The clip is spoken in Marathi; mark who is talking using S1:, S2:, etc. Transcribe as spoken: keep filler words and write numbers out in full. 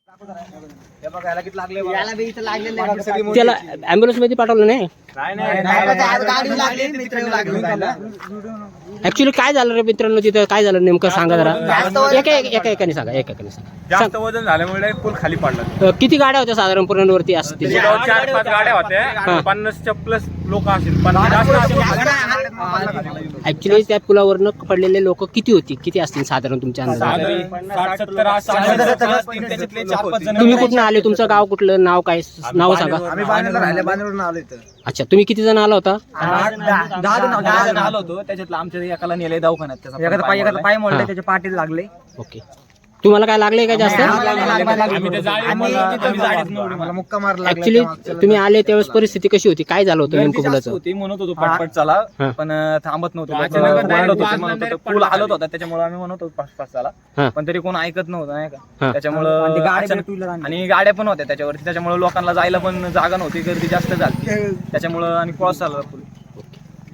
S1: त्याला ॲम्ब्युलन्स मध्ये पाठवलं नाही. ऍक्च्युली काय झालं रे मित्रांनो, तिथं काय झालं नेमकं सांगा जरा. एका एका एकाने सांगा, एका एकाने सांगा.
S2: जास्त वजन झाल्यामुळे पूल खाली पडला.
S1: किती गाड्या होत्या साधारण पूर्णवरती असतील?
S2: चार पाच गाड्या होत्या, पन्नासच्या प्लस लोक असतील.
S1: ऍक्च्युली त्या पुलावरनं पडलेले लोक किती होती, किती असतील साधारण तुमच्या अंदाजाने? तुम्ही कुठून आले, तुमचं गाव कुठलं, नाव काय, नाव सांगा.
S3: आम्ही बाणेरला राहिले, बाणेरवरून आलो इथं.
S1: अच्छा, तुम्ही किती जण आला होता?
S3: दहा जण आलो होतो. त्याच्यातलं आमच्या एकाला नेले दवाखान्यात, त्याचा पाय एकाचा पाय मोडले, त्याच्या पाठीत लागले.
S1: ओके, तुम्हाला काय लागले का जास्त? ऍक्च्युली तुम्ही आले त्यावेळेस परिस्थिती कशी होती, काय झालं होतं नेमकं पुलाचं?
S3: होती म्हणत होतो पटपट चला, पण थांबत नव्हतं. पूल हलत होता त्याच्यामुळे आम्ही म्हणत होतो पाच पाच चला, पण तरी कोण ऐकत नव्हतं नाही का. त्याच्यामुळं आणि गाड्या पण होत्या त्याच्यावरती, त्याच्यामुळे लोकांना जायला पण जागा नव्हती, गर्दी जास्त झाली त्याच्यामुळं आणि क्रॉस झाला.